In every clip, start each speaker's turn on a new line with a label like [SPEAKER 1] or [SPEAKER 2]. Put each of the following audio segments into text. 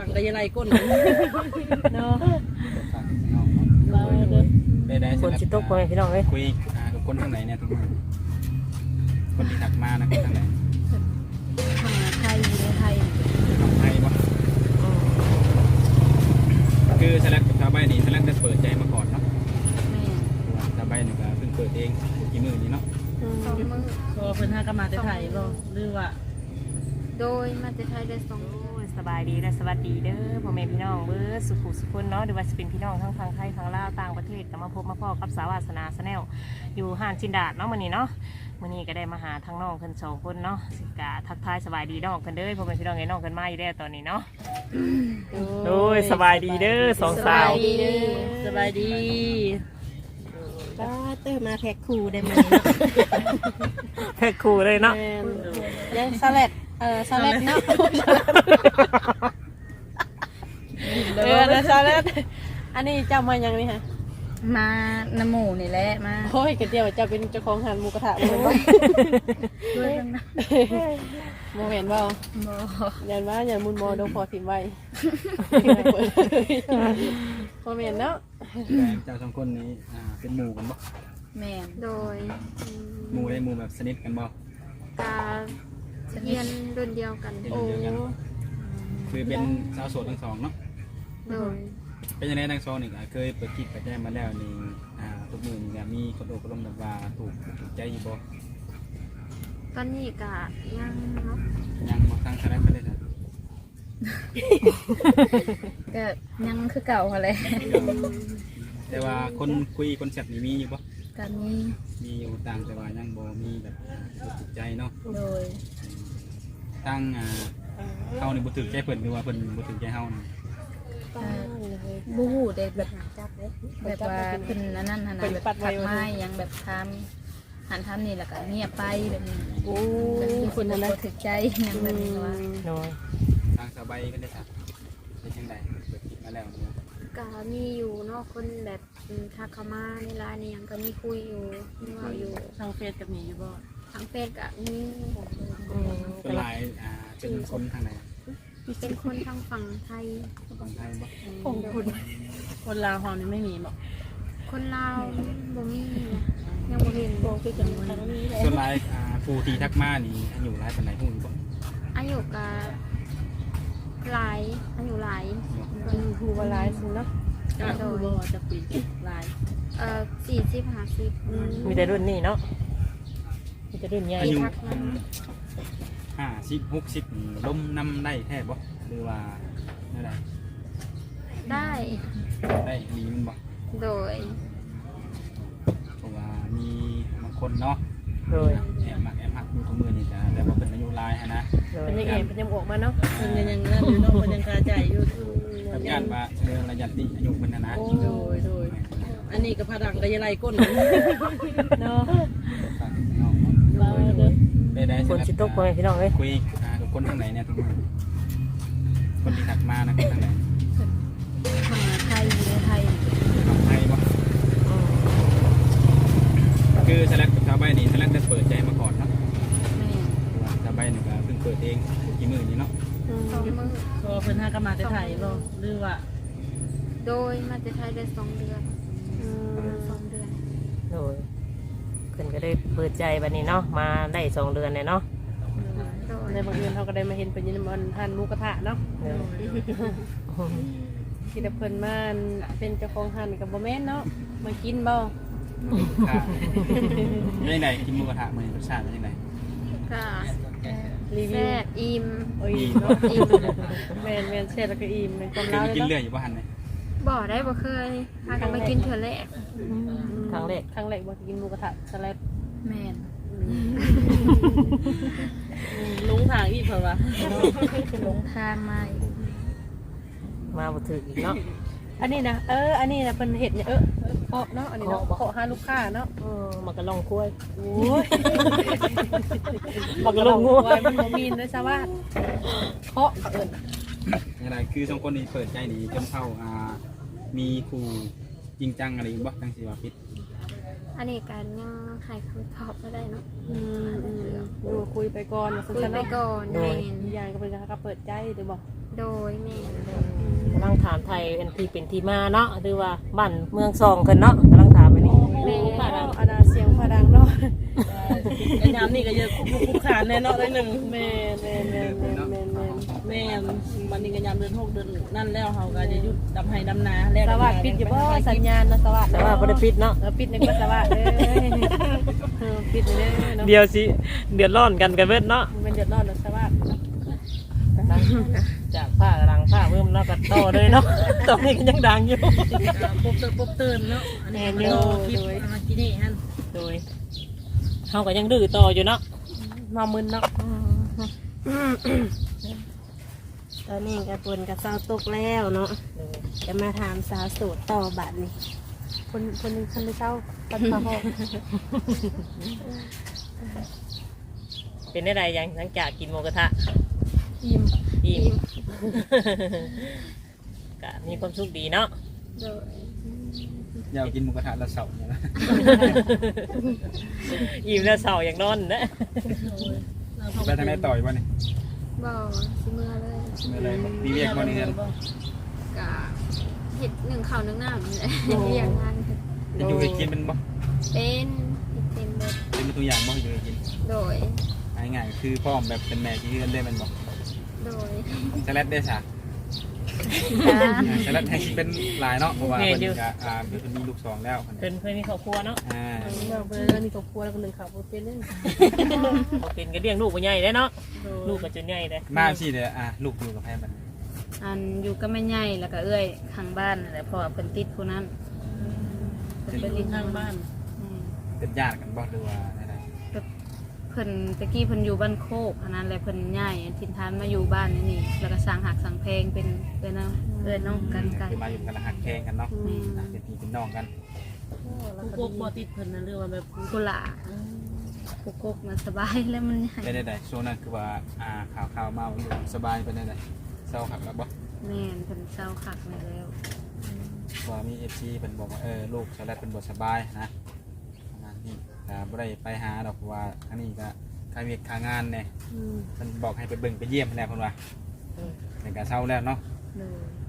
[SPEAKER 1] งก็ยังไรก้นเนาะ
[SPEAKER 2] ได้
[SPEAKER 3] คนสิตกคนพี่น้องเลย
[SPEAKER 2] คุยกับคนทางไหนเนี่ยทุกคนคนที่ถักมานะคนทางไหน
[SPEAKER 4] ไทยอยู่ในไทย
[SPEAKER 2] ไทยปะคือสลักกับชาวบ้านนี่สลักได้เปิดใจมาก่อนเนาะชาวบ้านนี่ก็เพิ่งเปิดเองกี่มื้อนี้เนาะ
[SPEAKER 4] 2 มื้อ
[SPEAKER 1] ก็เพิ่นหาก็มาแต่ไทยบ่หรือว่า
[SPEAKER 4] โดยมาแต่ไทยได้2 มื้อ
[SPEAKER 3] สบายดีและสวัสดีเด้อพ่อแม่พี่น้องเบิร์ดสุขุสุขคนเนาะหรือว่าจะเป็นพี่น้องทั้งทางไทยทางลาวต่างประเทศก็มาพบมาพ่อกับสาวาสนาสแนลอยู่ห้านจินดาดเนาะมื้อนี้เนาะมื้อนี้ก็ได้มาหาทั้งน้องเพิ่น2 คนเนาะสิกะทักทายสบายดีน้องกันเด้อพ่อแม่พี่น้องไอ้น้องกันมาอยู่แล้วตอนนี้เนาะโอ้ยสบายดีเด้อ2 สาว
[SPEAKER 1] สบายดี
[SPEAKER 4] ก็ตื่นมาแพ็คคู่ได้มั้ย
[SPEAKER 3] แพ็คคู่เลยเนาะ
[SPEAKER 4] ยังสลัดสลัดเนาะ
[SPEAKER 1] นะซาแล้วอันนี้เจ้ามายังนี่ฮะ
[SPEAKER 4] มาน้ำหมูนี่แหละมา
[SPEAKER 1] โอ้ยกระเจียวเจ้าเป็นเจ้าของหันหมูกระทะบ่บ่
[SPEAKER 4] ด้วยกันนะ
[SPEAKER 1] บ่เห็นบ่
[SPEAKER 4] บ่
[SPEAKER 1] ยันว่ายันมุนมอโดนพอถิ่มไว้บ่เห็นเนาะ
[SPEAKER 2] เจ้า2 คนนี้เป็นหมู่กันบ่
[SPEAKER 4] แม่นโดย
[SPEAKER 2] หมู่ได้หมู่แบบสนิทกันบ่
[SPEAKER 4] กาเรียนรุ่นเดียวกัน
[SPEAKER 2] โอ้คือเป็นสาวโสดทั้ง2เนาะ
[SPEAKER 4] โดย
[SPEAKER 2] เป็นยังไงทั้ง2นี่ก็เคยเปิดคลิปไปแจ้งมาแล้วนี่ทุกมื้อนี่มีคนโอบรมแบบว่าถูกใจอยู่บ่
[SPEAKER 4] ตอนนี้ก็ยังเนาะ
[SPEAKER 2] ยังบ่ตั้งคณะไปได้จ้ะ
[SPEAKER 4] ก็ยังคือเก่าหั่นแหละ
[SPEAKER 2] แต่ว่าคนคุยคนแซ่บนี่มีอยู่บ่
[SPEAKER 4] ก็
[SPEAKER 2] มีอยู่ต่างแต่ว่ายังบ่มีแบบถูกใจเนาะ
[SPEAKER 4] โดย
[SPEAKER 2] ตั้งเฮานี่บ่ถูกใจเพิ่นหรือว่าเพิ่นบ่ถูกใจเฮานี่
[SPEAKER 4] บูฮู้ได้แบบว่าเพิ่นนั่นหั่นน่ะแบบทักมายังแบบทำหันทำนี่แล้วก็เงียบไปแบบนี้
[SPEAKER 1] โอ้
[SPEAKER 4] คนนั้นถูกใจยังแบบนี้ว่า
[SPEAKER 3] น้อย
[SPEAKER 2] ทางสบายก็ได้จ้ะเป็นจังได๋เปิดคลิปมาแล้ว
[SPEAKER 4] ก็มีอยู่เนาะคนแบบทักเข้ามาในไลน์นี่ยังก็มีคุยอยู่มีว่าอยู่
[SPEAKER 1] ทางเฟซกับมีอยู่บ่
[SPEAKER 4] ทางเฟซก็มี
[SPEAKER 2] เป็นหลายเป็นคนทางไหน
[SPEAKER 4] เป็นคนทางฝั่งไทย
[SPEAKER 2] ฝั่งไทยบ่
[SPEAKER 1] คนลาวเฮานี่ไม่มีบ่
[SPEAKER 4] คนลาวบ่มียังบ่เห็นบ่คือจังว่า
[SPEAKER 2] ส่วนหลายผู้ที่ทักมานี่อายุหลายปานใดฮู้บ่
[SPEAKER 4] อายุก็หลายอายุหลาย
[SPEAKER 1] ฮู้ว่าหลายซุเนาะโดยจะปีหลาย
[SPEAKER 4] 40-50
[SPEAKER 3] มีแต่รุ่นนี้เนาะมีแต่รุ่นใหญ่
[SPEAKER 2] อายุ50-60ล้มนำได้แท้บ่หรือว่า
[SPEAKER 4] ได้
[SPEAKER 2] ดีมันบ่
[SPEAKER 4] โดย
[SPEAKER 2] เพราะว่ามีบางคนเนาะ
[SPEAKER 3] โดย
[SPEAKER 2] แอบหักอยู่ทุกมื้อนี่จ้ะแต่ว่าเป็นอายุหลายนะ
[SPEAKER 1] เป็นยังไงเป็นยังออกมาเนาะเป็นยังนั่นอยู่เนาะเป็นยังคาใจอยู่
[SPEAKER 2] กับญาติว่าเรื่องระยะนี้อายุมันนะ
[SPEAKER 1] โดยอันนี้ก็พลังก็ยังไรก้นเนาะ
[SPEAKER 3] คนสิตกคนพี่น้องเลย
[SPEAKER 2] คุยกับคนทางไหนเนี่ยทุกคนที่ถักมานะคนทางไหน
[SPEAKER 4] ไทยอยู่ในไทย
[SPEAKER 2] ไทยปะคือสลักกับชาวบ้านนี่สลักได้เปิดใจมาก่อนเนาะชาวบ้านนี่ก็เพิ่งเปิดเองกี่มื้อนี้เนาะ
[SPEAKER 4] 2 มื้อ
[SPEAKER 1] ก็เพิ่นหาก็มาแต่ไทยบ่หรือว่า
[SPEAKER 4] โดยมาแต่ไทยได้2 เดือน2 เดือน
[SPEAKER 3] โดยเพิ่นก็ได้เปิดใจบัดนี้เนาะมาได้2 เดือนเลยเนาะ
[SPEAKER 1] ในบางเดือนเขาก็ได้มาเห็นเป็นยินมันทานหมูกระทะเนาะที่เพิ่นมาเป็นเจ้าของหันกับบ่แม่นเนาะมากินบ่
[SPEAKER 2] ยังไงกินหมูกระทะมันรสชาติเป็นยังไง
[SPEAKER 4] ก็แซ่บอิ่ม
[SPEAKER 1] เนาะอิ่มแม่นแซ่บแล้วก็อิ่มเป็นความ
[SPEAKER 2] เล่ากินเรื่อยอยู่บ่หันไหม
[SPEAKER 4] บ่ได้บ่เคยพากันมากินเทื่อแรก
[SPEAKER 3] ครั้งแรก
[SPEAKER 1] บ่กินหมูกระทะสลัด
[SPEAKER 4] แม่น
[SPEAKER 1] ลุงทางอีกเพิ่นว่า
[SPEAKER 4] ลงทาง
[SPEAKER 3] มาบ่ถึกอีกเนาะ
[SPEAKER 1] อันนี้นะอันนี้นะเป็นเห็ดเนี่ยเคาะเนาะอันนี้เนาะเคาะหาลูกค้าเนาะ
[SPEAKER 3] มันก็ลองคุ้ย
[SPEAKER 1] โอ้ย
[SPEAKER 3] มันก็ลองคุ้ย
[SPEAKER 1] มันบ่มีนะชาวบ้านเคาะ
[SPEAKER 2] อะไรคือ2 คนนี้เปิดใจนี่จนเข้ามีครูจริงจังอะไรบ่จังสิว่าผิด
[SPEAKER 4] อันนี้การยังให้คำตอบไม่ได้เนาะ
[SPEAKER 1] ดูคุยไปก่อน
[SPEAKER 4] คุยไปก่อน
[SPEAKER 1] อย่างก็เป็นการเปิดใจหรือบอก
[SPEAKER 4] โดยแม่
[SPEAKER 3] ถามไทยอันที่เป็นที่มาเนาะหรือว่าบ้านเมืองซองกันเนาะกำลังถามอันนี้
[SPEAKER 1] แม่อันน่ะเสียงพดังเนาะ
[SPEAKER 5] ไอ้น้ำนี่ก็เยอะคุกคานแน่เนาะได้หนึ่ง
[SPEAKER 1] แม่แม่แม่แม่แม่แม่
[SPEAKER 5] แม่วันนี้ก็ยามเดือน6 เดือนนั่นแล้วเขาก็จะหยุดดำไห้ดำนาแล้ว
[SPEAKER 1] สวัสดิ์ปิดอยู่บ่สัญญาณนะสวัสดิ์
[SPEAKER 3] แต่ว่าบ่ได้ปิดเนาะ
[SPEAKER 1] ปิดในก็สวัสดิ์ปิดเลยเนาะ
[SPEAKER 3] เดี๋ยวสิเดือดร้อนกันเบิดเนาะ
[SPEAKER 1] มันเดือดร้อนนะสวัสดิ์
[SPEAKER 3] จากผ้ากำลังผ้าเพิ่มเนาะก็ต่อเลยเนาะ ตอนนี้ก็ยังดังอยู่
[SPEAKER 5] ปุ๊บตื่นเนาะอันนี้โยคลิปมากินนี่ฮั่น
[SPEAKER 3] โดยเฮาก็ยังดื้อต่ออยู่เนาะ
[SPEAKER 1] มามึนเนาะ
[SPEAKER 6] ตอนนี้กระปุนกับสาวตกแล้วเนาะจะมาถามสาวโสดต่อบัดนี้
[SPEAKER 1] คนนึงคนไม่เศร้าปันปะหอก
[SPEAKER 3] เป็นได้ไรยังหลังจากกินหมูกระทะ
[SPEAKER 1] อิ่ม
[SPEAKER 3] อิ่ม ก็มีความสุขดีเนาะ
[SPEAKER 6] โดย
[SPEAKER 2] อยากกินหมูกระทะแล้วเสาร์เนี่ยนะ
[SPEAKER 3] อิ่มแล้วเศร้าอย่างนอนนะ
[SPEAKER 2] ไปทางไหนต่อยบ่เนี่ย
[SPEAKER 6] บ่สิเมื่อเลย
[SPEAKER 2] ไม่เลยมีเรียกบ่เนี่ย
[SPEAKER 6] กะเห็ดหนึ่งข้าวหนึ่งน้ำนี่แหละเรียกงาน
[SPEAKER 2] จะอยู่ให้กินเป็นบ่
[SPEAKER 6] เป็นเฮ็ดเป็นแบบ
[SPEAKER 2] เป็นตัวอย่างบ่อยู่ให้กิน
[SPEAKER 6] โดย
[SPEAKER 2] ง่ายๆคือพ่อมแบบเป็นแม่ที่เอื้อนได้มันบ่
[SPEAKER 6] โดย
[SPEAKER 2] สลัดได้ซะสลัดให้เป็นหลายเนาะเพราะว่าเพิ่นก็เพิ่นมีลูก2แล้วเพิ่น
[SPEAKER 3] เพิ่นเคยมีครอบครัวเนาะ
[SPEAKER 1] เราไปแล้วนี่ครอบครัวแล้วคนหนึ่งขับรถเป็นเล่น
[SPEAKER 3] เขาเป็นก็เลี้ยงลูกบ่ใหญ่ได้เนาะลูกก็จนใหญ่ได้
[SPEAKER 2] มาสิเด้อลูกอยู่กับแพ่บัด
[SPEAKER 4] อันอยู่ก็ไม่ใหญ่แล้วก็เอื้อยข้างบ้านนั่นแหละเพราะว่าเพิ่นติดผู้นั้น
[SPEAKER 5] เป็นลิงข้างบ้าน
[SPEAKER 4] อืม
[SPEAKER 2] เป็นญาติกันบ่หรือว่าอะไร
[SPEAKER 4] เพิ่นตะกี้เพิ่นอยู่บ้านโคกอันนั้นแหละเพิ่นย้ายถิ่นฐานมาอยู่บ้านนี่แล้วก็สร้างหักสร้างเพลงเป็นเอื้อยน้องกันไกล
[SPEAKER 2] คือมาอยู่กันละหักแข่งกันเนาะเป็นพี่เป็นน้องกัน
[SPEAKER 5] ผู้พวกบ่ติดเพิ่นนั่นเรื่องว่าแบบ
[SPEAKER 4] กุหลาบกุกกมันสบายแล้วมันใหญ่
[SPEAKER 2] ได้ช่วงนั้นคือว่าข่าวมาอยู่สบายเป็นได้เศร้าขับแล้วบ่
[SPEAKER 4] แม่นเพิ่นเศร้าคักมาแล้ว
[SPEAKER 2] ว่ามี FC เพิ่นบอกว่าลูกสลัดเป็นบ่สบายนะประมาณนี้บ่ได้ไปหาดอกว่าอันนี้ก็ค่าเวียกค่างานแน่เพิ่นบอกให้ไปเบิ่งไปเยี่ยมแน่เพิ่นว่าแต่ก็เศร้าแล้วเนาะ
[SPEAKER 4] เลย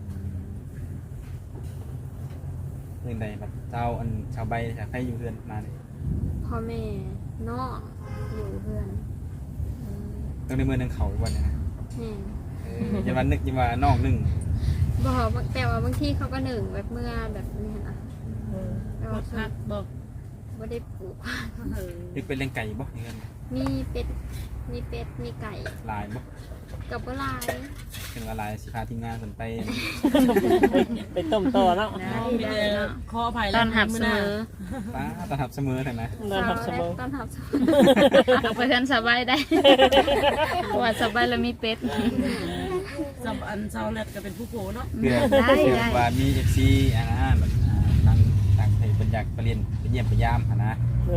[SPEAKER 2] เรื่องใดแบบเจ้าอันชาวใบจากให้อยู่เพื่อนมาเนี่ย
[SPEAKER 6] พ่อแม่น้องอยู่เพื่อน
[SPEAKER 2] ต้องในเมืองนึงเขาอีกวันเนี่ยนะ
[SPEAKER 6] แม่
[SPEAKER 2] อย่าวันนึกอย่าว่าน้องนึง
[SPEAKER 6] บอกแต่ว่าบางทีเขาก็หนึ่งแบบเมื่อแบบนี้นะแต่
[SPEAKER 5] บ่
[SPEAKER 6] ว่า
[SPEAKER 5] พักบอก
[SPEAKER 6] ไม่ได้ปลูก
[SPEAKER 2] นึกเป็นเลี้ยงไก่บ่อย่างเงี้ย
[SPEAKER 6] มีเป็ดมีไก่
[SPEAKER 2] ลายบ่
[SPEAKER 6] กับปลาไหล
[SPEAKER 2] เป็นว่าลายสิพาทีมงานคนไป
[SPEAKER 3] ไปต้มต่อเนาะ
[SPEAKER 4] ได้
[SPEAKER 5] มี
[SPEAKER 4] ได้
[SPEAKER 5] แต่
[SPEAKER 4] เนาะ
[SPEAKER 5] ขออภัย
[SPEAKER 4] ตอนหับเสมอ
[SPEAKER 2] ป้าต้อนรับเสมอเถอะนะ
[SPEAKER 3] นอนทับเสมอ
[SPEAKER 6] ตอนทับเสมอ
[SPEAKER 4] เอาไปกันสบายได้ เพราะว่าสบายแล้วมีเป็ด
[SPEAKER 5] สับอันเช้าแรกก็เป็นผู้โผเนาะ
[SPEAKER 2] เพื่อว่ามี FC อ่ะนะแบบต่างไทยเป็นอยากไปเรียนไปเยี่ยมไปยามอ่ะนะ
[SPEAKER 3] เลย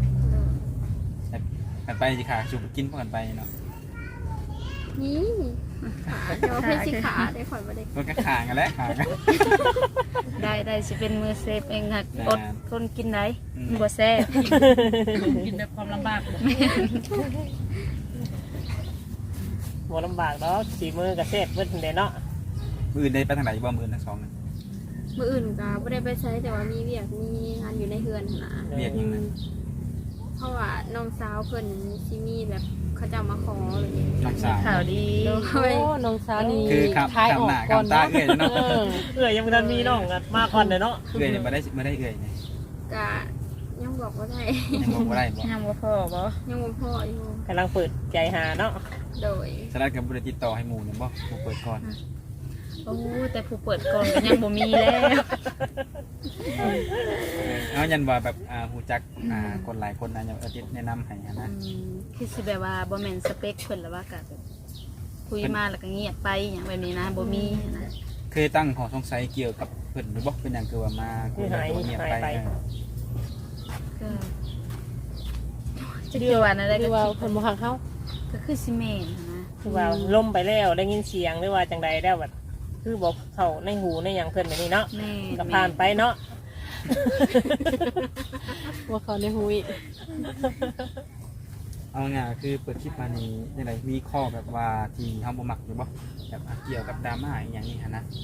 [SPEAKER 2] กันไปสิค่ะชูกินพวกกันไปเนาะ
[SPEAKER 6] นี่เดี๋ยวให้สิขาได้ข่อยมาได้
[SPEAKER 2] มันก็ข่างกันแล้วข่างกัน
[SPEAKER 4] ได้สิเป็นมือเซฟเองค่ะอดคนกินได้บ่แซ่ บ
[SPEAKER 5] กินแบบความลำบากบ่
[SPEAKER 3] บ่ลำบากเนาะสีมือกับเซฟเพิ่นเด้เนาะ
[SPEAKER 2] มืออื่นได้ไปทางไหนบ่มืออื่นทั้งสองนั่น
[SPEAKER 6] มืออื่นก็ไม่ได้ไปใช้แต่ว่ามีเวียกมีงานอยู่ในเฮือนนะ
[SPEAKER 2] เรียกยังไง
[SPEAKER 6] เพราะว่าน้องสาวเพิ่นซิมีแบบเขาจะมาขออะไรอย่างเงี้ย
[SPEAKER 2] น้องสาว
[SPEAKER 4] ข่าวดี
[SPEAKER 6] โด
[SPEAKER 1] โอ้
[SPEAKER 6] ย
[SPEAKER 1] น้องสาวนี่
[SPEAKER 2] คือครับ
[SPEAKER 1] ท้ายออก
[SPEAKER 2] คำหน้า
[SPEAKER 1] ก่อน
[SPEAKER 2] คำตา
[SPEAKER 1] เนาะ
[SPEAKER 2] เอื้อยเนาะ
[SPEAKER 3] ยังบ่ทันมีน้องอะมาก่อนเด้เนาะ
[SPEAKER 2] เอื้อยเนี่ยมาได้เอื้อยเนี่ย
[SPEAKER 6] กะยังบอกว่าได้
[SPEAKER 2] ยังบอกว่าได้บ่
[SPEAKER 4] ยังบ่พอบ่
[SPEAKER 6] ยังบ่พออยู่
[SPEAKER 3] กำลังเปิดใจหาเนาะ
[SPEAKER 6] โดย
[SPEAKER 2] สลัดกับบริติดต่อให้หมู่เนี่ยบ่หมู่เปิดก่อน
[SPEAKER 4] โอ้แต่ผู้เปิดก่อนก็ยังบ่มีแล้ว
[SPEAKER 2] เอายันว่าแบบหูจักคนหลายคนนะอย่างอาทิตย์แนะนำให้นะ
[SPEAKER 4] คือสิแบบว่าบ่แม่นสเปคเพิ่นแล้วว่าก็แบบคุยมาแล้วก็เงียบไปอย่างแบบนี้นะบ่มีนะ
[SPEAKER 2] เคยตั้งข้อสงสัยเกี่ยวกับเพิ่นหรือบ่เป็นอย่างคือว่ามาคุยกันแล้วเงียบไป
[SPEAKER 4] ก็จะเกี่ยวว่าอะไร
[SPEAKER 1] คื
[SPEAKER 4] ก็
[SPEAKER 1] อว่าเพิ่นบ่ฮักเฮา
[SPEAKER 4] ก็คือซีเมนต์นะ
[SPEAKER 3] คือว่าล่มไปแล้วได้ยินเสียงหรือว่าจังใดแล้วแบบคือบอกเขาในหูในหยังเพิ่นแบบนี้เนาะ
[SPEAKER 4] แม่
[SPEAKER 3] ก็ผ่านไปเนาะ
[SPEAKER 1] ว่าเขาในหูอีก
[SPEAKER 2] เอาง่ายคือเปิดคลิปมานี้จังไดมีข้อแบบว่าที่เฮาบ่มักอยู่บ่แบบเกี่ยวกับดราม่าอีหยังนี่หั่นนะ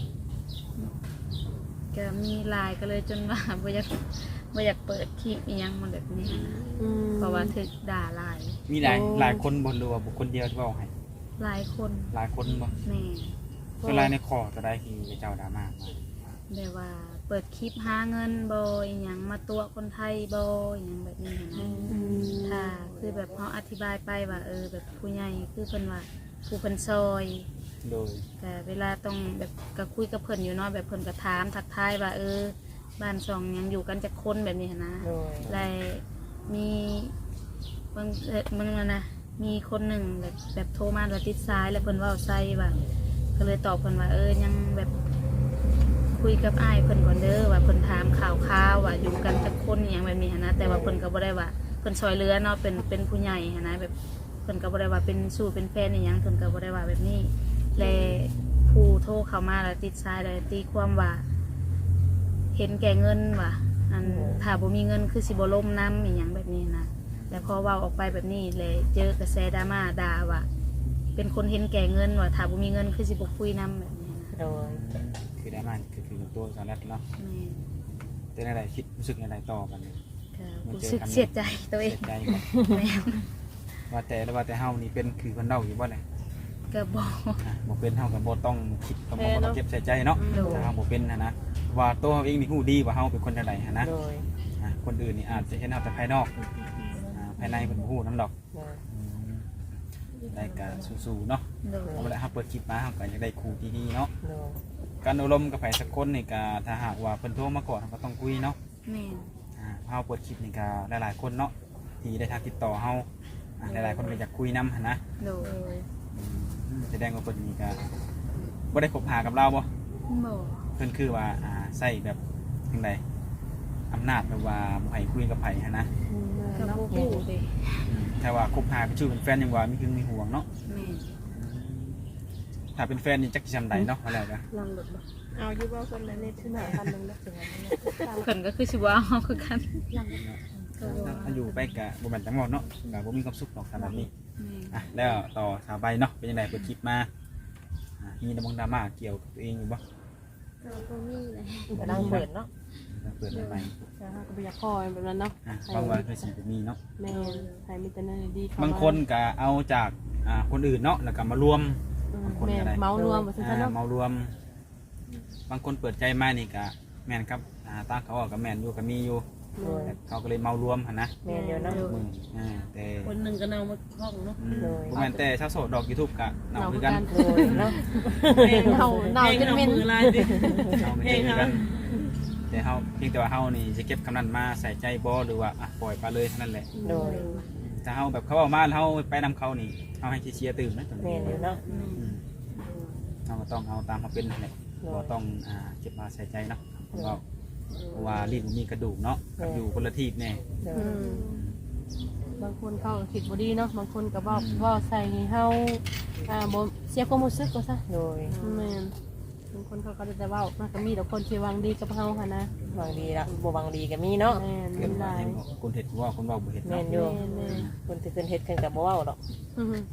[SPEAKER 4] ก็มีหลายก็เลยจนว่าบ่อยากเปิดคลิปอีหยังมันแบบนี้นะเพราะว่าถึกด่าหลาย
[SPEAKER 2] มีหลายคนบ่หรือว่าบุคคลเดียวที่เว้าให้
[SPEAKER 4] หลายคน
[SPEAKER 2] หลายคนบ่
[SPEAKER 4] แม่
[SPEAKER 2] เวลาในคอก็ได้ที่เจ้าดราม่ามา
[SPEAKER 4] แบบว่าเปิดคลิปหาเงินบ่อีหยังมาตัวคนไทยบ่อีหยังแบบนี้นะถ้าคือแบบเฮาอธิบายไปว่าแบบผู้ใหญ่คือเพิ่นว่าผู้เพิ่นซอย
[SPEAKER 2] โดย
[SPEAKER 4] แต่เวลาต้องแบบก็คุยกับเพิ่นอยู่เนาะแบบเพิ่นก็ถามทักทายว่าบ้านช่องยังอยู่กันจักคนแบบนี้หั้นนะ
[SPEAKER 3] โดย
[SPEAKER 4] และมีบางนะมีคนหนึ่งแบบโทรมาว่าติดสายแล้วเพิ่นเว้าใส่ว่าก็เลยตอบเพิ่นว่ายังแบบคุยกับอ้ายเพิ่นก่อนเด้อว่าเพิ่นถามข่าวว่าอยู่กันจักคนอหย่างแบบนี้หั้นนะแต่ว่าเพิ่นก็บ่ได้ว่าเพิ่นช่วยเหลือเนาะเป็นผู้ใหญ่หั้นนะแบบเพิ่นก็บ่ได้ว่าเป็นสู้เป็นแฟนอหยังเพิ่นก็บ่ได้ว่าแบบนี้และผู้โทรเข้ามาแล้วติดสายแล้วตีความว่าเห็นแก่เงินว่ะอันถ้าบ่มีเงินคือสิบ่ล่มน้ำอหย่างแบบนี้นะแต่พอเว้าออกไปแบบนี้เลยเจอกระแสดราม่าด่าว่าเป็นคนเห็นแก่เงินว่าถ้าบ่มีเงินคือสิบ่คุยน้ำแบบนี้นะ
[SPEAKER 3] โดย
[SPEAKER 2] คือได้มาคือตัวสารัตเนาะ
[SPEAKER 4] แม่
[SPEAKER 2] แต่ในใดคิดรู้สึกในใดต่อกันเนี่ย
[SPEAKER 4] ก็รู้สึกเสียใจตัวเอ
[SPEAKER 2] เสี
[SPEAKER 4] ง
[SPEAKER 2] ยใจบ่
[SPEAKER 4] แม่
[SPEAKER 2] ว่าแต่เฮานี่เป็นคือเพิ่นเล่าอยู่บ่เลย
[SPEAKER 4] ก็บอก
[SPEAKER 2] บ่เป็นเฮาก็บ่ต้องคิดก็บ่ต้องเก็บใส่ใจเนาะ
[SPEAKER 4] โดย
[SPEAKER 2] ถ้าเฮาบ่เป็นนะว่าตัวเฮาเองนี่ฮู้ดีว่าเฮาเป็นคนจังได๋นะ
[SPEAKER 3] โดย
[SPEAKER 2] คนอื่นนี่อาจจะเห็นเฮาแต่ภายนอกภายในเพิ่นบ่ฮู้นำดอก
[SPEAKER 3] โดย
[SPEAKER 2] ได้ก็สู้ๆเนาะ
[SPEAKER 4] โดย
[SPEAKER 2] เวลาเฮาเปิดคลิปมาเฮาก็อยากได้ครูดีๆเนาะ
[SPEAKER 3] โดย
[SPEAKER 2] การอบรมกับไผสักคนนี่ก็ถ้าหากว่าเพิ่นโทรมาก่อนเฮาก็ต้องคุยเนาะ
[SPEAKER 4] แม่
[SPEAKER 2] เฮาเปิดคลิปนี่ก็หลายๆคนเนาะที่ได้ทางติดต่อเฮาหลายๆคนก็อยากคุยนำนะ
[SPEAKER 4] โดย
[SPEAKER 2] แสดงว่าเพิ่นนี่ก็บ่ได้คบหากับเราบ่
[SPEAKER 4] บอก
[SPEAKER 2] เพิ่นคือว่าใส่แบบจังไดอำนาจแบบว่าบ่ให้คุยกับไผนะ
[SPEAKER 4] ก็บ่ฮู้เด้
[SPEAKER 2] ถ้าว่าคบหาเป็นชื่อเป็นแฟนยังว่ามีหึงมีห่วงเนาะ
[SPEAKER 4] แม่
[SPEAKER 2] ถ้าเป็นแฟนนี่จักสิจำได้เนาะว่าแล้วก็
[SPEAKER 1] ลังหลุดบ่เอาอยู่บ่คนละเน็ตที่หน้าคันนึงแล้วถึงอันนี้
[SPEAKER 4] เพิ่นก็คือสิว่าเฮาคือกันก็ว่า
[SPEAKER 2] ถ้าอยู่ไปก็บ่แม่นจังหวะเนาะก็บ่มีความสุขหรอกสำหรับนี้
[SPEAKER 4] แม่
[SPEAKER 2] แล้วต่อสาวใบเนาะเป็นยังไงเปิดคลิปมามีดราม่าเกี่ยวกับตัวเองอยู่บ่
[SPEAKER 6] เราก็มีเลย
[SPEAKER 3] กำลังเปิดเนาะ
[SPEAKER 2] เปิดใหม่
[SPEAKER 1] จะหาก็บ่อยากคอยแบบนั้นเนาะ
[SPEAKER 2] บางวันเคยสิมีเนาะ
[SPEAKER 1] แม่นใครมีแต่นั่นดี
[SPEAKER 2] บางคนก็เอาจากคนอื่นเนาะแล้วก็มารวม
[SPEAKER 1] แม่นเมารวมว่าซั่นเนาะ
[SPEAKER 2] มารวม บางคนเปิดใจมานี่ก็แม่นครับตาเขาก็แม่นอยู่ก็มีอยู่
[SPEAKER 3] โดย
[SPEAKER 2] แต่เขาก็เลยเมารวมหั่นนะ
[SPEAKER 3] แม่นอยู่เนาะ
[SPEAKER 2] มึงแต่
[SPEAKER 5] คนหนึ่งก็เนามาห้องเนาะ
[SPEAKER 2] บ่แม่นแต่ชาวโสดดอก YouTube ก็เนาคือกัน
[SPEAKER 3] โดยเนาะ
[SPEAKER 1] เน่าจนเหม็น
[SPEAKER 5] มือลายดิ
[SPEAKER 2] เฮาก็เจอคือกันแต่เฮาเพียงแต่ว่าเฮานี่จะเก็บคำนั้นมาใส่ใจบ่หรือว่าปล่อยไปเลยเท่านั้นแหละ
[SPEAKER 3] โดย
[SPEAKER 2] ถ้าเฮาแบบเขาเอามาแล้วเฮาไปนำเขานี่เฮาให้เชียร์ตื่นนะตรง
[SPEAKER 3] แม่
[SPEAKER 2] นี้
[SPEAKER 3] นอยู่เนาะ
[SPEAKER 2] เฮาก็ต้องเอาตามเขาเป็นนั่นแหละบ่ต้องเก็บมาใส่ใจเนาะเพราะว่าลิ้นมีกระดูกเนาะกับอยู่คนละทีแน่
[SPEAKER 3] โดย
[SPEAKER 1] บางคนเขาคิดบ่ดีเนาะบางคนก็บอกใส่ให้เฮาบ่เสียความรู้สึกก็ซะ
[SPEAKER 3] โดย
[SPEAKER 1] แม่นบางคนเขาก็จะเว้ามันก็มีแต่คนที่หวังดีกับเฮาหั่นนะ
[SPEAKER 3] บางดีละบ่บางดีก็มีเนาะ
[SPEAKER 1] แม่น
[SPEAKER 2] เกิ
[SPEAKER 1] มั
[SPEAKER 2] ด
[SPEAKER 1] นห
[SPEAKER 2] มา
[SPEAKER 1] ลาย
[SPEAKER 2] ให้คนเฮ็ดว่าคนเว้าบ่เฮ็ด
[SPEAKER 3] แม่
[SPEAKER 2] เนาะ
[SPEAKER 3] นอยู่
[SPEAKER 1] แม่น
[SPEAKER 3] คนที่เพิ่นเฮ็ดเพิ่นก็บ่เว้าดอก
[SPEAKER 1] อือฮึ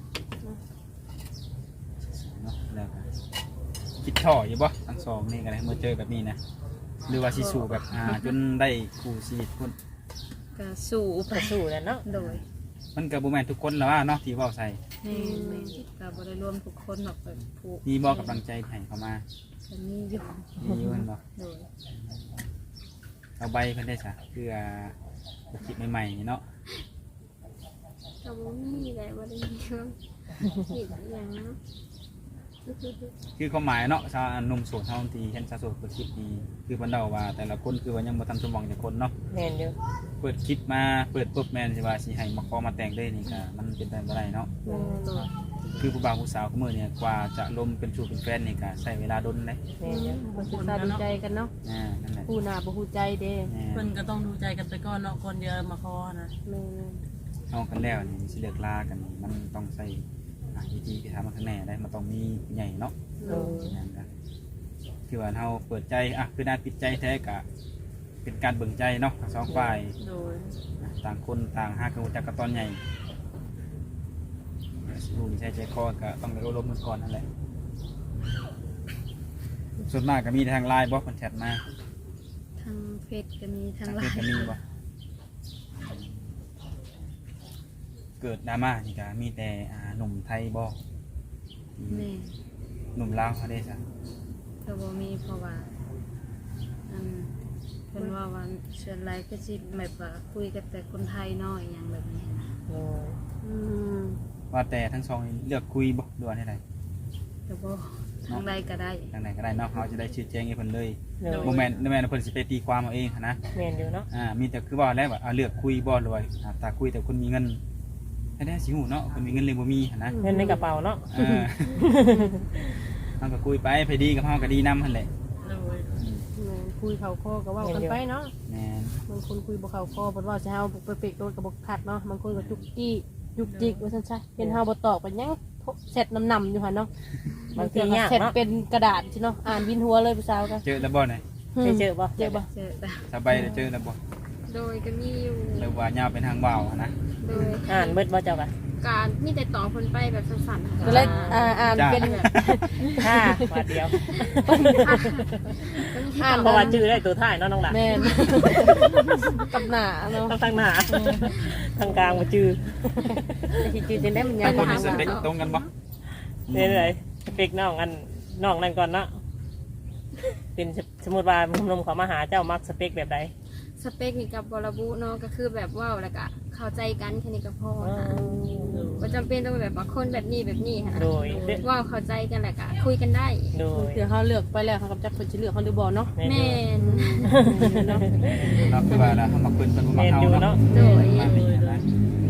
[SPEAKER 2] เนาะแล้วก็คิดท่ออยู่บ่ทั้งสองนี่ก็ได้เมื่อเจอแบบนี้นะหรือว่าสิสู่แบบจนได้คู่ชีวิตพุ่น
[SPEAKER 4] ก็สู้ไป
[SPEAKER 3] ก็สู้แล้วเนาะ
[SPEAKER 4] โดย
[SPEAKER 2] มันก็บ่แม่นทุกคนแล้วว่าเนาะที่เว้าใส่
[SPEAKER 4] แม่ก็บ่ได้รวมทุกคนหรอกแบบผู้
[SPEAKER 2] มีบ่กำลังใจให้เขามา
[SPEAKER 4] ก็มีอยู่
[SPEAKER 2] มีอยู่แม่นบ่
[SPEAKER 4] โดย
[SPEAKER 2] เอาใบเพิ่นได้ซะเพื่อคลิปใหม่ๆนี่เนาะ
[SPEAKER 6] เราบ่มีเลยบ่ได้มีว่าผิดอย่างเนาะ
[SPEAKER 2] คือความหมายเนาะชาวหนุ่มโสดเฮาที่เห็นชาวโสดเปิดคลิปนี้คือเพิ่นเดาว่าแต่ละคนคือว่ายังบ่ทันสมหวังจักคนเนาะ
[SPEAKER 3] แม่นอยู่
[SPEAKER 2] เปิดคลิปมาเปิดปุ๊บแม่นสิว่าสิให้มาขอมาแต่งได้นี่ก็มันเป็นไปบ่ได้เนาะคือผู้บ่าวผู้สาวคู่มื้อเนี่ยกว่าจะลมเป็นชู้เป็นแฟนนี่ก็ใช้เวลาดนเด้
[SPEAKER 3] แม่นอยู่
[SPEAKER 1] คนศึกษาดูใจกันเนาะ
[SPEAKER 2] นั่นแหละ
[SPEAKER 1] ผู้หน้าบ่ฮู้ใจเด้
[SPEAKER 5] เพิ่นก็ต้องดูใจกันไปก่อนเนาะคนเดียวมาคอนะ
[SPEAKER 1] แม่น
[SPEAKER 2] เอากันแล้วนี่สิเลิกลากันนี่มันต้องใช้วิธีที่ทำมันข้างแน่ได้มันต้องมีผู้ใหญ่เนาะ
[SPEAKER 3] โดย
[SPEAKER 2] นั่นก็คือว่าเราเปิดใจคือด้านปิดใจแท้กะเป็นการเบิ่งใจเนาะทั้งสองฝ่าย
[SPEAKER 5] โดย
[SPEAKER 2] ต่างคนต่างหากันรู้จักกันตอนใหญ่รู้นิสัยใจคอก็ต้องได้อบรมกันก่อนนั่นแหละส่วนมากก็มีทางไลน์บ่เพิ่นแชทมา
[SPEAKER 4] ทางเฟซก็มีทาง
[SPEAKER 2] ทาง
[SPEAKER 4] ไล
[SPEAKER 2] เฟซ
[SPEAKER 4] น์
[SPEAKER 2] ก็มีบ่เกิดดราม่านี่ก็มีแต่หนุ่มไทยบ่
[SPEAKER 4] แม่
[SPEAKER 2] หนุ่มลาวเขาได้ซะ
[SPEAKER 4] ก็บ่มีเพราะว่าอันเพิ่นว่าวันเชิญไลน์ก็สิแบบว่าคุยกับแต่คนไทยเนาะอหย่างแบบนี้นะ
[SPEAKER 1] อืม
[SPEAKER 2] ว่าแต่ทั้งสองนี่เลือกคุยบ่ด่วนให้ได
[SPEAKER 4] ก็บ่ทางใดก็ได้
[SPEAKER 2] ทางไหนก็ได้เนาะเขาจะได้ชี้แจงให้เพิ่นเลย
[SPEAKER 3] โดย
[SPEAKER 2] บ่แม่นเพิ่นสิไปตีความเอาเองหั้นนะ
[SPEAKER 3] แม่นอยู่เนาะ
[SPEAKER 2] มีแต่คือว่าแล้วว่าเลือกคุยบ่รวยถ้าคุยแต่คนมีเงินให้ได้สิหูเนาะคนมีเงินเลยบ่มีหั้นนะ
[SPEAKER 3] เงินในกระเป๋าเนาะ
[SPEAKER 2] เฮาก็คุยไปไปดีกับเฮาก็ดีนํหั่นแหละ
[SPEAKER 1] แม่นคุยเข้าคอก็เว้ากันไปเนาะ
[SPEAKER 2] แม่น
[SPEAKER 1] บางคนคุยบ่เข้าคอเพิ่นว่าสิเฮาไปเปกโดนก็บ่คักเนาะบางคนก็จุกจี้จุกจิกว่าซั่นซะเห็นเฮาบ่ตอบก็ยังเสร็จนำอยู่หั่นเนาะ
[SPEAKER 3] บางทียาก
[SPEAKER 1] เสร็จ
[SPEAKER 3] เนาะ
[SPEAKER 1] เป็นกระดาษสิเนาะอ่านวินหัวเลยผู้สาวก็
[SPEAKER 2] เจอแล้วบ่เนี่ย
[SPEAKER 3] เคยเจอบ่
[SPEAKER 1] เจอบ่
[SPEAKER 4] เจอแต่
[SPEAKER 2] สบายได้เจอแล้วบ่
[SPEAKER 7] โดยก็มีอยู่
[SPEAKER 2] หรือว่ายาวเป็นทางว่าวหั้นนะ
[SPEAKER 7] โดย
[SPEAKER 3] อ่านเบิดบ่เจ้าค่ะ
[SPEAKER 7] การมีแต่ต่อคนไปแบบสั้นๆ
[SPEAKER 1] ก็เลยอ่านเป็น
[SPEAKER 3] ค่ะบาทเดียว
[SPEAKER 1] อ่าน
[SPEAKER 3] เพราะว่าชื่อได้ตัวท้ายเนาะน้องหลาน
[SPEAKER 1] แม่นกับหน้าเนาะ
[SPEAKER 3] ต้องตั้งหน้าทางกลางมาชื่อ
[SPEAKER 1] แต่ที่จริงๆได้มัน
[SPEAKER 2] บา
[SPEAKER 1] ยัง ง
[SPEAKER 2] คนมีสเปคตรงกันบ่
[SPEAKER 3] เรื่อยๆสเปกน้องอันน้องนั่นก่อนเนาะเป็นสมมติว่าหนุ่มๆเขามาหาเจ้ามักสเปกแบบใด
[SPEAKER 7] สเปคนี่กับบระบุเนาะก็คือแบบว่าวแล้วก็เข้าใจกันแค่นี้ก็พอค่ะบ่จำเป็นต้องแบบว่าคนแบบนี้แบบนี้ค่ะ
[SPEAKER 3] โดย
[SPEAKER 7] ว่าวเข้าใจกันแล้วก็คุยกันได้
[SPEAKER 3] โดย
[SPEAKER 1] เดี๋ยวเขาเลือกไปแล้วเขาก็จักคนจะเลือกเขาหรือบ่เนาะ
[SPEAKER 7] แม่น
[SPEAKER 1] เนาะ
[SPEAKER 2] เนาะคือว่าเราเฮามาคุยเพิ่นบ่
[SPEAKER 3] แม
[SPEAKER 2] มาน เฮา
[SPEAKER 3] อยู่
[SPEAKER 2] เนาะ
[SPEAKER 3] เนาะ
[SPEAKER 7] โดย
[SPEAKER 2] มาเป็นอย่างนั้นนะ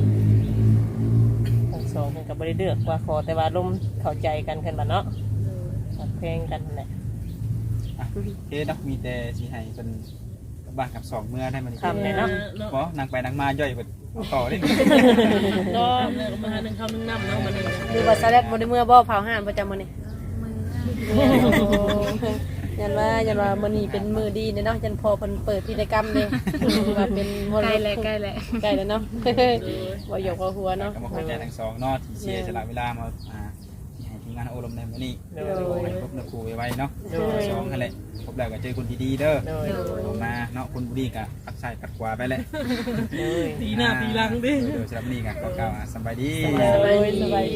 [SPEAKER 3] ทั้งสองเพิ่นก็บ่ได้เลือกว่าขอแต่ว่าลมเข้าใจกันขึ้นมาเนาะรักเพลงกันนั่นแหละ
[SPEAKER 2] อ่ะโอเคเนาะมีแต่สิให้เพิ่นกลับบ้านกับสองเมื่อได้มัน
[SPEAKER 3] คำเลยเนาะ
[SPEAKER 2] บ่นั่งไปนั่งมาย่อยเบิดเอาต่อเด้
[SPEAKER 5] ก็แล้วก็มาหาหนึ่งคำหนึ่งน้ำเนาะมันนี่
[SPEAKER 1] หรือว่าซาแลดบ่ได้เมื่อบ่เผาห่านประจำมื้อนี้
[SPEAKER 4] มือ
[SPEAKER 1] ยันว่ามื้อนี้เป็นมื้อดีเนาะยันพอเพิ่นเปิดพิธีกรรมเด้ว่าเป็นมร
[SPEAKER 4] ใกล้
[SPEAKER 1] ด
[SPEAKER 4] แล้ว
[SPEAKER 1] ก
[SPEAKER 4] ใกล้แล้ว
[SPEAKER 1] ใกล้แล้วเนาะบ่หยอกบ่หัวเนาะ
[SPEAKER 2] ก็มาขอใจทั้งสองเนาะที่เสียสละเวลามาที่ให้ทีมงานอบรมในมื้อนี้
[SPEAKER 3] โด
[SPEAKER 2] ขอให้
[SPEAKER 3] ย
[SPEAKER 2] พบนักครูไว้ๆเนาะ
[SPEAKER 3] โดย
[SPEAKER 2] สองนั่นแหละพบแล้วก็เจอคนดีๆเด้อ
[SPEAKER 3] โดย
[SPEAKER 2] ออกมาเนาะคนบุรีก็ปักใส่ปัดขวาไปแหละ
[SPEAKER 3] โดย
[SPEAKER 5] ตีหน้าตีหลังดิ
[SPEAKER 2] เดี๋ยวสำหรับนี่ก็กล่าวสบายดี
[SPEAKER 3] สบายดี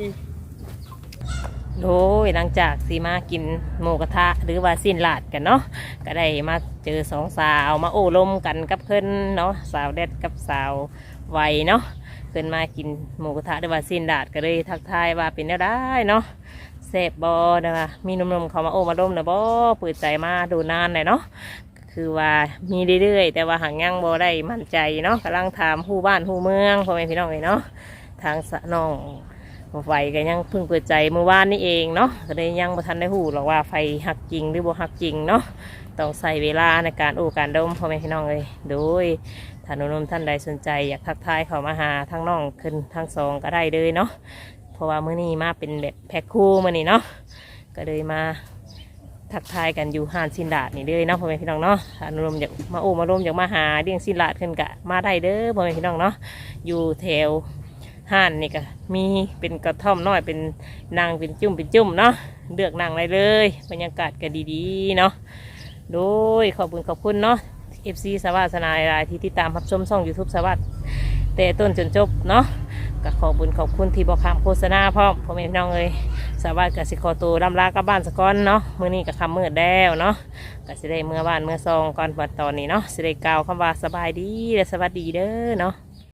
[SPEAKER 3] โดยหลังจากสีมากินหมูกระทะหรือว่าสิ้นลาดกันเนาะก็ได้มาเจอสองสาวมาโอ้ลมกันกับเพิ่นเนาะสาวแดดกับสาวไวเนาะเพิ่นมากินหมูกระทะหรือว่าสิ้นลาดก็เลยทักทายว่าเป็นแนวได้เนาะแซ่บบอนะคะมีหนุ่มๆเขามาโอ้มาลมนะบอเปิดใจมาดูนานเลยเนาะคือว่ามีเรื่อยๆแต่ว่าหางยังบอได้มั่นใจเนาะกำลังถามผู้บ้านผู้เมืองพ่อแม่พี่น้องเลยเนาะทางสะน้องไฟก็ยังเพิ่งเปิดใจเมื่อวานนี้เองเนาะก็เลยยังบ่ทันได้หูหรอกว่าไฟหักจริงหรือบ่หักจริงเนาะต้องใส่เวลาในการโอ้การดมพ่อแม่พี่น้องเลยโดยถ้าหนุ่มๆท่านใดสนใจอยากทักทายเขามาหาทั้งน้องขึ้นทั้งสองก็ได้เลยเนาะเพราะว่ามื้อนี้มาเป็นแบบแพ็คคู่มื้อนี้เนาะก็เลยมาทักทายกันอยู่ห้านสินดาดนี่เลยเนาะพ่อแม่พี่น้องเนาะถ้าหนุ่มๆอยากมาโอ้มาร่วมอยากมาหาเลี้ยงสินดาดขึ้นกะมาได้เด้อพ่อแม่พี่น้องเนาะอยู่แถวห้านนี่ก็มีเป็นกระท่อมน้อยเป็นนางเป็นจุ่มเนาะเลือกนางได้เลยบรรยากาศก็ดีๆเนาะโดยขอบคุณเนาะ FC สวัสดิ์สนายรายที่ติดตามรับชมช่อง YouTube สวัสดิ์แต่ต้นจนจบเนาะก็ขอบคุณที่บอกคำโฆษณาพร้อมพ่อแม่พี่น้องเลยสวัสดิ์กับสิขอตัวลำลากลับบ้านสักก่อนเนาะมื้อนี้ก็คำมืดแล้วเนาะก็สิได้เมื่อบ้านเมื่อซองก่อนวันตอนนี้เนาะสิได้กล่าวคำว่าสบายดีและสวัสดีเด้อเนาะ